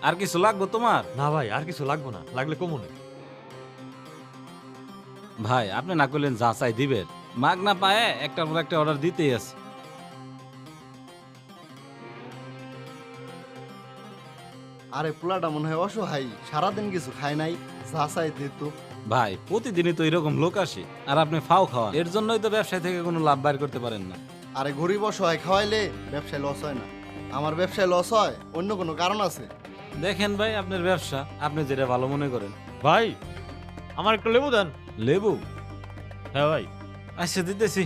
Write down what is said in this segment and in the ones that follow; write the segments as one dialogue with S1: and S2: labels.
S1: আর কিছু লাগবে তোমার?
S2: না ভাই, আর কিছু লাগবো না, লাগলে কমুনে।
S1: ভাই আপনি না করলেন যা চাই দিবেন, মাগ না পায়ে একটার পর একটা অর্ডার দিতেই আছে।
S3: আরে পোলাটা মনে হয় অসহায়, সারাদিন কিছু খায় নাই, যা চাই দিত।
S1: ভাই প্রতিদিনই তো এরকম লোক আসে, আর আপনি ফাও খাওয়ান, এর জন্যই তো ব্যবসায় থেকে কোনো লাভ বাইর করতে পারেন না।
S3: আরে গরিব অসহায় খাওয়াইলে ব্যবসায় লস হয় না। আমার ব্যবসায় লস হয় অন্য কোনো কারণ আছে।
S1: দেখেন ভাই আপনার ব্যবসা, আপনি যেটা ভালো মনে করেন।
S2: ভাই আমার একটু লেবু দেন।
S1: লেবু?
S2: হ্যাঁ ভাই।
S1: আচ্ছা দিতেছি।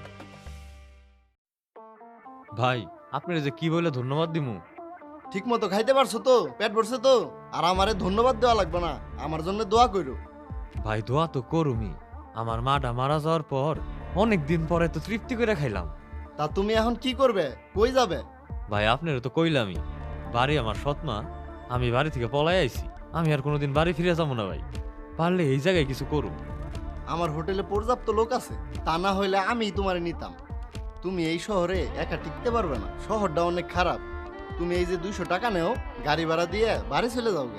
S2: ভাই আপনার যে কি বলে ধন্যবাদ দিমু।
S3: ঠিক মতো খাইতে পারছো তো? পেট ভরছে তো? আর আমারে ধন্যবাদ দেওয়া লাগবে না, আমার জন্য দোয়া কইরো।
S2: ভাই দোয়া তো করুমি, আমার মাটা মারা যাওয়ার পর অনেক দিন পরে তো তৃপ্তি করে খাইলাম।
S3: তা তুমি এখন কি করবে, কই যাবে?
S2: ভাই আপনারও তো কইলামই, বাড়ি আমার সৎমা, আমি বাড়ি থেকে পলাই আইছি, আমি আর কোনোদিন বাড়ি ফিরে যাবো না ভাই, পারলে এই জায়গায় কিছু করুন।
S3: আমার হোটেলে পর্যাপ্ত লোক আছে, তা না হইলে আমি তোমারে নিতাম। তুমি এই শহরে একা টিকতে পারবে না, শহরটা অনেক খারাপ। তুমি এই যে 200 টাকা নেও, গাড়ি ভাড়া দিয়ে বাড়ি চলে যাওগে।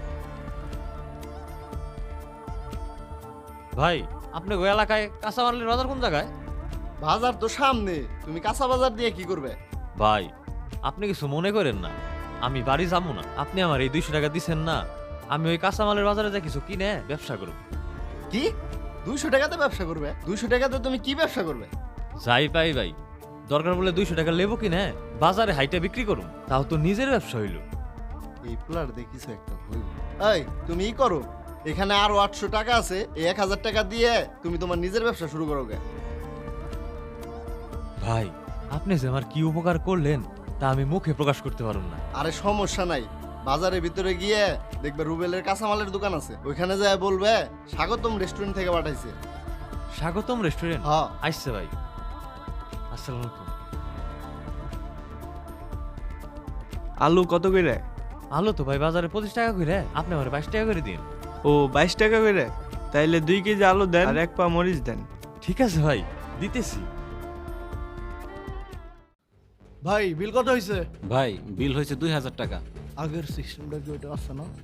S2: ভাই আপনি ওই এলাকায় কাঁচামালের বাজার কোন জায়গায়?
S3: বাজার তো সামনে, তুমি কাঁচা বাজার দিয়ে কি করবে?
S2: ভাই আপনি কিছু মনে করেন না, আমি বাড়ি যাবো না, আপনি আমার এই 200 টাকা দিচ্ছেন না, আমি ওই কাঁচামালের বাজারে যা কিছু কিনে ব্যবসা করব।
S3: কি 200 টাকাতে ব্যবসা করবে? 200 টাকাতে তুমি কি ব্যবসা করবে?
S2: যাই পাই ভাই, দরকার বলে 200 টাকা লেবু কিনে বাজারে হাইটা বিক্রি করুন, তাও তো নিজের ব্যবসা হইল।
S3: এই প্লার দেখিস একটা হইব। এই তুমি ই করো, এখানে আরো 800 টাকা আছে, এই 1000 টাকা দিয়ে তুমি তোমার নিজের ব্যবসা শুরু করোগে।
S2: ভাই আপনি যে আমার কি উপকার করলেন তা আমি মুখে প্রকাশ করতে পারুন না।
S3: আরে সমস্যা নাই, বাজারের ভিতরে গিয়ে দেখবে রুবেলের কাঁচামালের দোকান আছে, ওইখানে যায় বলবে স্বাগতম রেস্টুরেন্ট থেকে পাঠাইছে।
S2: স্বাগতম রেস্টুরেন্ট?
S3: হ্যাঁ।
S2: আসছে ভাই। আসসালামু আলাইকুম।
S4: আলু কত করে?
S2: আলু তো ভাই বাজারে 25 টাকা করে, আপনি আমার 22 টাকা করে দিন।
S4: ও 22 টাকা করে? তাইলে 2 কেজি আলু দেন আর 1 পা মরিচ দেন।
S2: ঠিক আছে ভাই, দিতেছি।
S3: ভাই বিল কত হয়েছে?
S1: ভাই বিল হয়েছে 2000 টাকা।
S3: আগের সিস্টেমটা কি ওইটা আছে না?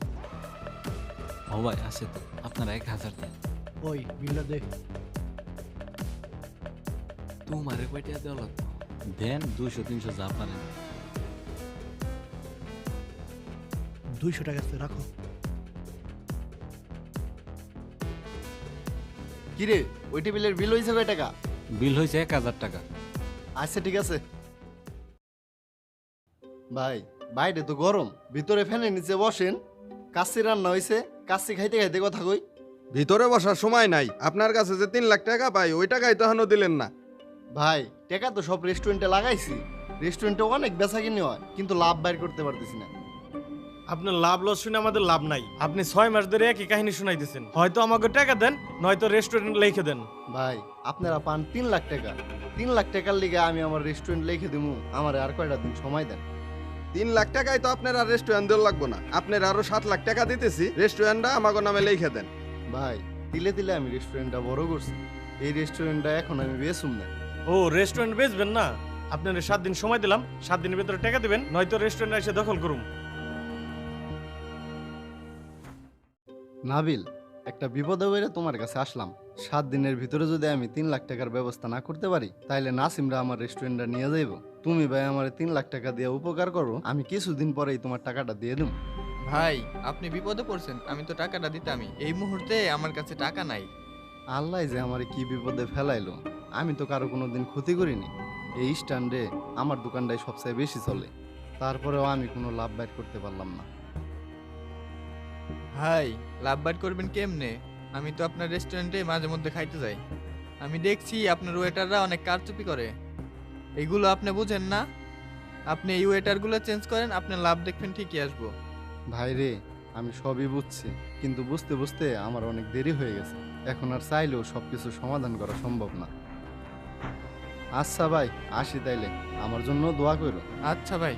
S1: ও ভাই আছে তো, আপনারা 1000 দেন।
S3: ওই বিলটা দেখ।
S1: তোমারে কয়টা দেওয়া লাগবে? দেন 200-300 যা পারেন।
S3: 200 টাকা আছে, রাখো। কিরে ওই টেবিলের বিল হয়েছে কয় টাকা?
S1: বিল হয়েছে 1000 টাকা।
S3: আচ্ছা ঠিক আছে। ভাই বাইরে তো গরম, ভিতরে ফ্যানের নিচে বসেন। কাচ্চি রান্না হয়েছে, কাচ্চি খাইতে খাইতে কথা কই।
S5: ভিতরে বসার সময় নাই, আপনার কাছে যে 3 লাখ টাকা পাই ওই টাকাই তো এখনো দিলেন না।
S3: ভাই টাকা তো সব রেস্টুরেন্টে লাগাইছি, রেস্টুরেন্টে অনেক বেচা কিনে হয়, কিন্তু লাভ বাইর করতে পারতেছি না।
S6: আপনার লাভ লস শুনে আমাদের লাভ নাই। আপনি 6 মাস ধরে একই কাহিনী শুনাইতেছেন। হয়তো আমাকে টাকা দেন, নয়তো রেস্টুরেন্ট লিখে দেন।
S3: ভাই আপনারা পান 3 লাখ টাকা, 3 লাখ টাকার লিগে আমি আমার রেস্টুরেন্ট লিখে দেবো, আমার আর কয়টা দিন সময় দেন।
S5: 3 লাখ টাকায় তো আপনার আর রেস্টুরেন্ট দেওয়া লাগবো না, আপনার আরো 7 লাখ টাকা দিতেছি, রেস্টুরেন্টটা আমাকে নামে লিখে দেন।
S3: ভাই তিলে তিলে আমি রেস্টুরেন্টটা বড় করছি, এই রেস্টুরেন্টটা এখন আমি বেচুম না।
S6: ও রেস্টুরেন্ট বেচবেন না? আপনার 7 দিন সময় দিলাম, 7 দিনের ভিতরে টাকা দিবেন, নয়তো রেস্টুরেন্ট এসে দখল করুন।
S3: নাবিল, একটা বিপদে বেড়ে তোমার কাছে আসলাম। 7 দিনের ভিতরে যদি আমি 3 লাখ টাকার ব্যবস্থা না করতে পারি, তাইলে নাসিমরা আমার রেস্টুরেন্টটা নিয়ে যাইব। তুমি ভাই আমার 3 লাখ টাকা দিয়ে উপকার করো, আমি কিছুদিন পরেই তোমার টাকাটা দিয়ে দেব।
S7: ভাই আপনি বিপদে পড়ছেন, আমি তো টাকাটা দিতামই, এই মুহূর্তে আমার কাছে টাকা নাই।
S3: আল্লাহ যে আমার কি বিপদে ফেলাইলো, আমি তো কারো কোনো দিন ক্ষতি করিনি। এই স্ট্যান্ডে আমার দোকানটাই সবচেয়ে বেশি চলে, তারপরেও আমি কোনো লাভ বাইর করতে পারলাম না।
S7: ভাই লাভ বাইট করবেন কেমনে? আমি তো আপনার রেস্টুরেন্টে মাঝে মধ্যে খাইতে যাই, আমি দেখছি আপনার ওয়েটাররা অনেক কারচুপি করে। এগুলো আপনি বুঝেন না? আপনি এই ওয়েটারগুলো চেঞ্জ করেন, আপনার লাভ দেখবেন ঠিকই আসবো।
S3: ভাই রে, আমি সবই বুঝছি, কিন্তু বুঝতে বুঝতে আমার অনেক দেরি হয়ে গেছে, এখন আর চাইলেও সবকিছু সমাধান করা সম্ভব না। আচ্ছা ভাই আসি তাইলে, আমার জন্য দোয়া করো।
S7: আচ্ছা ভাই।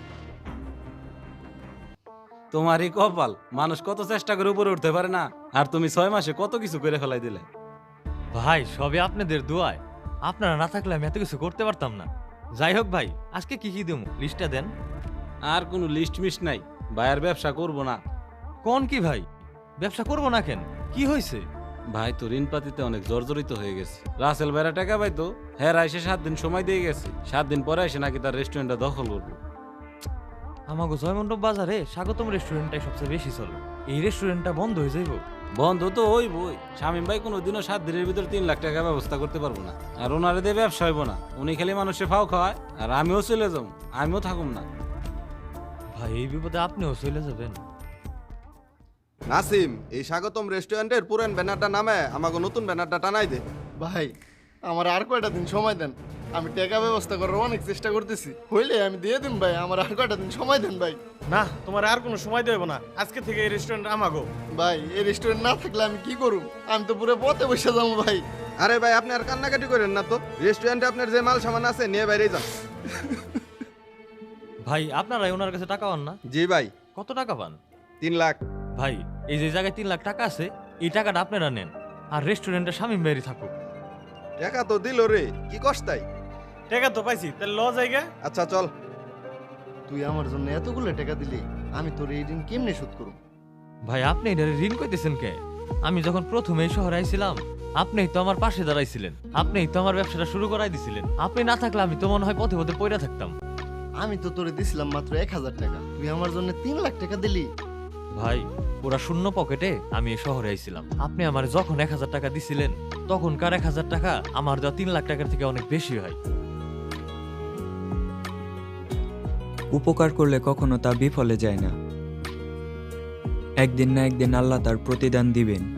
S1: তোমারই কপাল, মানুষ কত চেষ্টা করে উপরে উঠতে পারে না, আর তুমি 6 মাসে কত কিছু করে ফেলাই দিলে।
S2: ভাই সবই আপনাদের দোয়ায়, আপনারা না থাকলে আমি এত কিছু করতে পারতাম না। যাই হোক ভাই, আজকে কি কি দেবো লিস্টটা দেন।
S1: আর কোনো লিস্ট মিস নাই, ভাই আর ব্যবসা করবো না।
S2: কোন কি ভাই, ব্যবসা করবো না কেন, কি হয়েছে?
S1: ভাই তো ঋণ পাতিতে অনেক জর্জরিত হয়ে গেছে। রাসেল ভাইরা টাকা পাইতো, হ্যাঁ এসে 7 দিন সময় দিয়ে গেছে। 7 দিন পরে এসে নাকি তার রেস্টুরেন্টটা দখল করবো।
S2: আমাগো জয়মণ্ডপ বাজারে স্বাগতম রেস্টুরেন্টটাই সবচেয়ে বেশি চলে। এই রেস্টুরেন্টটা বন্ধ হয়ে যাইব।
S1: বন্ধ তো হইবই। শামীম ভাই কোনোদিনও 7 দিনের ভিতর 3 লাখ টাকা ব্যবস্থা করতে পারবো না। আর ওনারে দিয়ে ব্যবসা হইব না। উনি খালি মানুষের ফাও খাওয়ায়, আর আমিও চলে যাবো, আমিও থাকুম না।
S2: ভাই এই বিপদে আপনিও চলে যাবেন?
S5: নাসিম, এই স্বাগতম রেস্টুরেন্টের পুরান ব্যানারটা নামে আমাকে নতুন ব্যানারটা টানাই দে।
S3: ভাই আমার আর কয়টা দিন সময় দেন, আমি টাকা ব্যবস্থা করার অনেক চেষ্টা করতেছি, হইলে আমি দিয়ে দিন ভাই, আমার আর কয়টা দিন সময় দেন ভাই।
S6: না, তোমার আর কোনো সময় দেব না, আজকে থেকে এই রেস্টুরেন্ট আমাগো।
S3: ভাই এই রেস্টুরেন্ট না থাকলে আমি কি করব? আমি তো পুরো পথে বসে যাবো ভাই।
S5: আরে ভাই, আপনি আর কান্নাকাটি করেন না তো। রেস্টুরেন্টে আপনার যে মাল সামান আছে নিয়ে বাইরে যান।
S2: ভাই আপনারাই ওনার কাছে টাকা পান না?
S5: জি ভাই,
S2: কত টাকা পান?
S5: 3 লাখ।
S2: ভাই এই যে জায়গায় 3 লাখ টাকা আছে, এই টাকাটা আপনারা নেন, আর রেস্টুরেন্টে শামীম ভাইয়েরই থাকুক।
S5: টাকা তো দিল রে, কি কষ্টাই।
S6: টাকা তো পাইছি, তাহলে ল জায়গা।
S5: আচ্ছা চল।
S3: তুই আমার জন্য এতগুলো টাকা দিলি, আমি তোর এই ঋণ কেমনে শোধ করব?
S2: ভাই আপনি এটা ঋণ কইতেছেন কে? আমি যখন প্রথমে এই শহরে আইছিলাম, আপনিই তো আমার পাশে দাঁড়াইছিলেন, আপনিই তো আমার ব্যবসাটা শুরু করাই দিছিলেন। আপনি না থাকলে আমি তো মনে হয় পথে পথে পড়ে থাকতাম।
S3: আমি তো তোরে দিছিলাম মাত্র 1000 টাকা, তুই আমার জন্য 3 লাখ টাকা দিলি।
S2: ভাই ওরা শূন্য পকেটে আমি এই শহরে আইছিলাম। আপনি আমার যখন 1000 টাকা দিছিলেন, তখনকার 1000 টাকা আমার দেওয়া 3 লাখ টাকার থেকে অনেক বেশি হয়।
S8: উপকার করলে কখনো তা বিফলে যায় না। একদিন না একদিন আল্লাহ তার প্রতিদান দিবেন।